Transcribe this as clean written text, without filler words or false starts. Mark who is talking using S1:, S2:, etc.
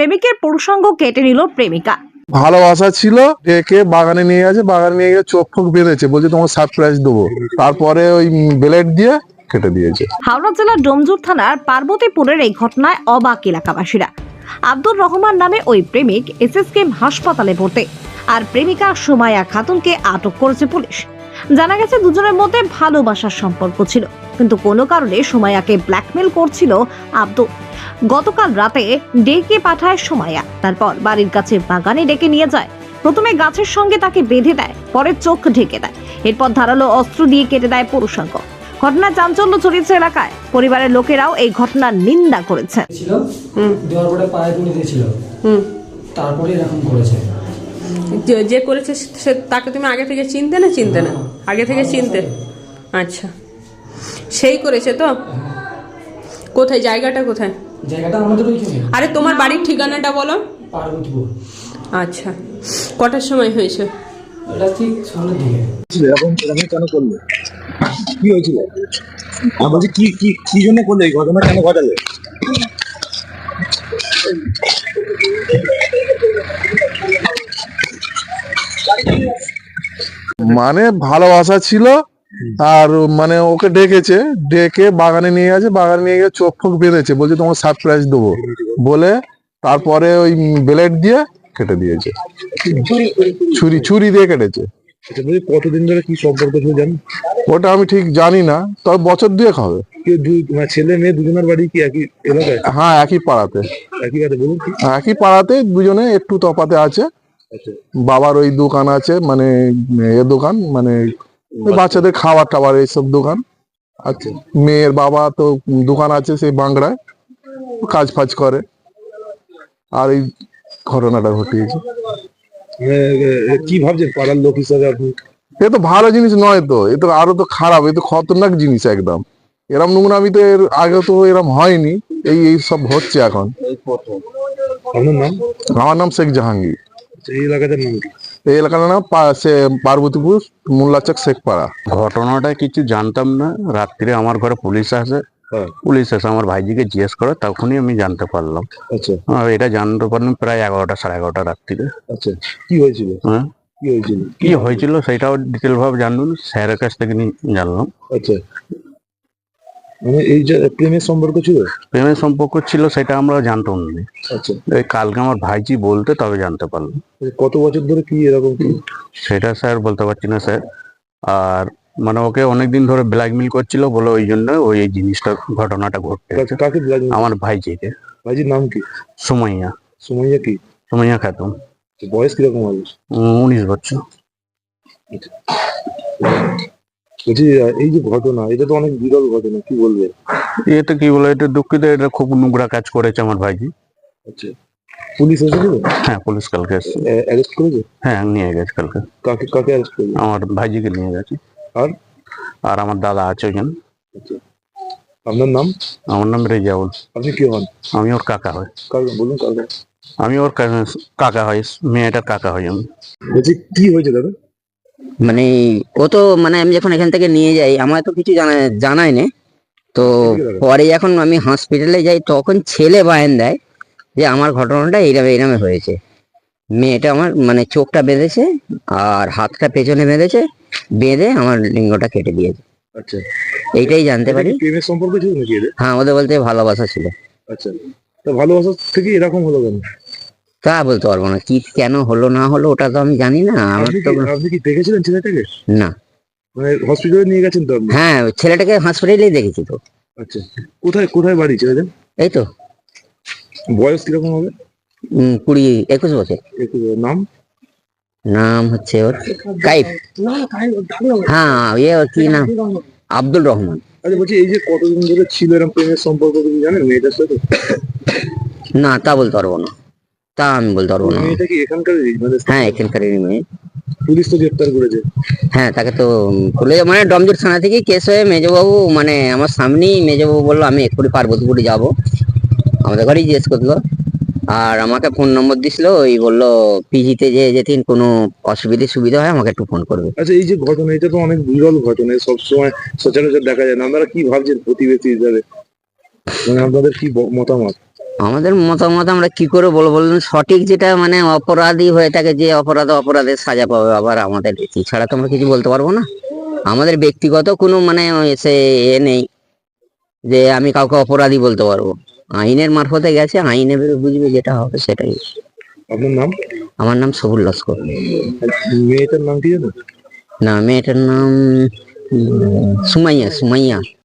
S1: প্রেমিকের পুরুষাঙ্গ কেটে নিল প্রেমিকা।
S2: ভালোবাসা ছিল, ডেকে বাগানে নিয়ে গেছে, বাগানে নিয়ে গিয়ে চোখ ফোক বেঁধেছে, বলছে তোমার সারপ্রাইজ দেবো, তারপরে ওই ব্লেড দিয়ে কেটে দিয়েছে।
S1: হাওড়া জেলার ডোমজুর থানার পার্বতীপুরের এই ঘটনায় অবাক এলাকাবাসীরা। আব্দুর রহমান নামে ওই প্রেমিক এসএসকেএম হাসপাতালে ভর্তি, আর প্রেমিকা সুমাইয়া খাতুনকে আটক করেছে পুলিশ। জানা গেছে দুজনের মধ্যে ভালোবাসার সম্পর্ক ছিল, কিন্তু কোনো কারণে সুমাইয়াকে ব্ল্যাকমেল করছিল আব্দুর। গতকাল রাতে ডেকে পাঠায় সুমাইয়া, তারপর বাড়ির কাছে বাগানে ডেকে নিয়ে যায়। প্রথমে গাছের সঙ্গে তাকে বেঁধে দেয়, পরে চোখ ঢেকে দেয়, এরপর ধারালো অস্ত্র দিয়ে কেটে দেয় পুরুষাঙ্গ। ঘটনা চাঞ্চল্য ছড়িয়েছে এলাকায়। পরিবারের লোকেরাও এই ঘটনার নিন্দা করেছে।
S3: দেওয়ার পরে পায়ে তুলে দিয়েছিল, তারপরে এরকম করেছে।
S4: যে করেছে সে তাকে তুমি আগে থেকে চিনতে না? চিনতে না? আগে থেকে চিনতে? আচ্ছা, সেই করেছে তো? কোথায় জায়গাটা কোথায়?
S3: জায়গাটা আমাদের ওইখানে।
S4: আরে তোমার বাড়ির ঠিকানাটা বলো।
S3: পার্বতীপুর।
S4: আচ্ছা, কটার সময় হয়েছে?
S3: এটা ঠিক সামনের দিকে।
S5: এরকম এরকম কেন করলে? কি হয়েছিল? আমি বলছি কি কি কি জন্য করলে এই ঘটনা, কেন ঘটালে?
S2: মানে ভালোবাসা ছিল, আর মানে ওকে ডেকেছে, ডেকে বাগানে নিয়ে গেছে, বাগানে নিয়ে গিয়ে চোখ ফোক বেঁধেছে, বলছে তোমার সারপ্রাইজ দেবো বলে, তারপরে ওই ব্লেড দিয়ে কেটে দিয়েছে। ছুরি দিয়ে কেটেছে।
S5: এটা বলছি কতদিন ধরে কি সম্পর্ক ছিল জানি?
S2: ওটা আমি ঠিক জানি না, তবে বছর দুয়েক হবে।
S5: মানে ছেলে মেয়ে দুজনের বাড়ি কি একই এলাকায়?
S2: হ্যাঁ, একই পাড়াতে।
S5: একই কাছে বলুন কি?
S2: একই পাড়াতে, দুজনে একটু তফাতে আছে।
S5: আচ্ছা।
S2: বাবার ওই দোকান আছে, মানে দোকান, মানে ওই বাচ্চাদের খাবার টাবার এইসব দোকান।
S5: আচ্ছা।
S2: মেয়ের বাবা তো দোকান আছে সেই বাংলায়, কাজ ফাজ করে, আর এই ঘটনাটা ঘটিয়েছে।
S5: কি ভাবছেন পাড়ার লোক হিসাবে আপনি?
S2: এ তো ভালো জিনিস নয় তো, এ তো আরো তো খারাপ, এ তো খতরনাক জিনিস একদম। এরম নোংরামি তো এর আগে তো এরম হয়নি, এই সব হচ্ছে এখন।
S5: আপনার নাম?
S2: আমার নাম শেখ জাহাঙ্গীর।
S5: এই এলাকাটার নাম কি?
S2: এই এলাকার নাম পার্বতীপুর মোল্লাচক শেখপাড়া।
S6: ঘটনাটা কিছু জানতাম না। রাত্রে আমার ঘরে পুলিশ আসে, পুলিশ এসে আমার ভাইজিকে জিজ্ঞেস করে, তখনই আমি জানতে পারলাম।
S5: আচ্ছা।
S6: এটা জানতে পারলাম প্রায় 11টা সাড়ে 11টা রাত্রিরে।
S5: আচ্ছা, কি হয়েছিল?
S6: হ্যাঁ,
S5: কি হয়েছিল?
S6: কি হয়েছিল সেটাও ডিটেল ভাবে জানবো না, স্যারের কাছ থেকে জানলাম।
S5: আচ্ছা, মানে এই যে প্রেমের সম্পর্ক ছিল?
S6: প্রেমের সম্পর্ক ছিল সেটা আমরা জানতাম না।
S5: আচ্ছা।
S6: এই কালকে আমার ভাইজি বলতে তবে জানতে পারলাম।
S5: কত বছর ধরে কি এরকম কি?
S6: সেটা স্যার বলতে পারছি না স্যার। আর মানে ওকে অনেকদিন ধরে ব্ল্যাকমেল করছিল বলে, ওই জন্য ওই এই জিনিসটা ঘটনাটা ঘটতে।
S5: কাকে ব্ল্যাকমেল?
S6: আমার ভাইজিকে।
S5: ভাইজির নাম কি?
S6: সুমাইয়া।
S5: সুমাইয়া কি?
S6: সুমাইয়া খাতুন।
S5: বয়স কিরকম হবে?
S6: 19 বছর।
S5: বলছি এই যে ঘটনা, এটা তো অনেক বিরল ঘটনা, কি বলবে?
S6: এটা কি বলে, এটা দুঃখিত, এটা খুব নোংরা কাজ করেছে আমার ভাইজি।
S5: আচ্ছা, পুলিশ এসেছিল?
S6: হ্যাঁ, পুলিশ কালকে এসেছে।
S5: অ্যারেস্ট করেছে?
S6: হ্যাঁ, নিয়ে গেছে কালকে।
S5: কাকে কাকে অ্যারেস্ট করেছে?
S6: আমার ভাইজিকে নিয়ে গেছে।
S5: আর
S6: আর আমার দাদা আছে ওইখানে।
S5: আচ্ছা, আপনার নাম?
S6: আমার নাম রেজাউল।
S5: আপনি কি হন?
S6: আমি ওর কাকা হই।
S5: কাকে বলুন? কাকে?
S6: আমি ওর কাকা হই, মেয়েটার কাকা হই আমি।
S5: বলছি কি হয়েছে দাদা?
S7: মানে ও তো মানে আমি যখন এখান থেকে নিয়ে যাই, আমার তো কিছু জানাই না। তো পরে যখন আমি হসপিটালে যাই, তখন ছেলে বায়ান দেয় যে আমার ঘটনাটা এইরকম হয়েছে। মেয়েটা আমার মানে চোখটা বেঁধেছে আর হাতটা পেছনে বেঁধেছে, বেঁধে আমার লিঙ্গটা কেটে দিয়েছে।
S5: আচ্ছা,
S7: এইটাই জানতে পারি।
S5: প্রেমের সম্পর্ক ছিল নাকি এদের?
S7: হ্যাঁ, ওদের বলতে ভালোবাসা ছিল।
S5: আচ্ছা, তা ভালোবাসা থেকে এরকম হলো কেন?
S7: তা বলতে পারবো না, কি কেন হলো না হলো ওটা তো আমি জানি না। আমার তো
S5: আপনি কি দেখেছিলেন ছেলেটাকে?
S7: না।
S5: মানে হসপিটালে নিয়ে গেছেন তো আপনি?
S7: হ্যাঁ, ছেলেটাকে হসপিটালেই দেখেছি তো।
S5: আচ্ছা, কোথায় কোথায় বাড়ি ছেলেদের?
S7: এই তো
S5: বয়স কিরকম হবে?
S7: 20-21 বছর।
S5: নাম?
S7: নাম হচ্ছে ওর কাইফ। হ্যাঁ, ওর কি নাম? আব্দুল রহমান।
S5: আচ্ছা, বলছি এই যে কতদিন ধরে ছিল এরকম প্রেমের সম্পর্ক, তুমি জানেন মেয়েটার সাথে?
S7: না, তা বলতে পারবো না, তা আমি বলতে পারবো না।
S5: মেয়েটা কি এখানকারই?
S7: হ্যাঁ, এখানকারই মেয়ে।
S5: পুলিশ তো গ্রেপ্তার করেছে।
S7: হ্যাঁ, তাকে তো মানে ডমজুর থানা থেকে কেস হয়ে মেজবাবু, মানে আমার সামনেই মেজবাবু বললো আমি এক্ষুনি পার্বতীপুরে যাবো, আমাদের ঘরেই জিজ্ঞেস করলো। আর আমাকে ফোন নম্বর দিছিল, ওই বললো পিজিতে যে যেদিন কোনো সুবিধা হয় আমাকে একটু ফোন করবে।
S5: আচ্ছা, এই যে ঘটনা, এটা তো অনেক বিরল ঘটনা, সবসময় সচরাচর দেখা যায় না। আপনারা কি ভাবছেন প্রতিবেশী হিসাবে? মানে আপনাদের কি মতামত?
S7: আমাদের মতামত আমরা কি করে বলবো বলুন, সঠিক যেটা মানে অপরাধী হয়ে থাকে, যে অপরাধের সাজা পাবে, আবার আমাদের এছাড়া তো আমরা কিছু বলতে পারবো না। আমাদের ব্যক্তিগত কোনো মানে সে নেই যে আমি কাউকে অপরাধী বলতে পারবো। আইনের মারফতে গেছে, আইনে বুঝবে যেটা হবে সেটাই।
S5: আপনার নাম?
S7: আমার নাম সবুল লস্কর।
S5: মেয়েটার নাম কি জানো?
S7: না, মেয়েটার নাম সুমাইয়া।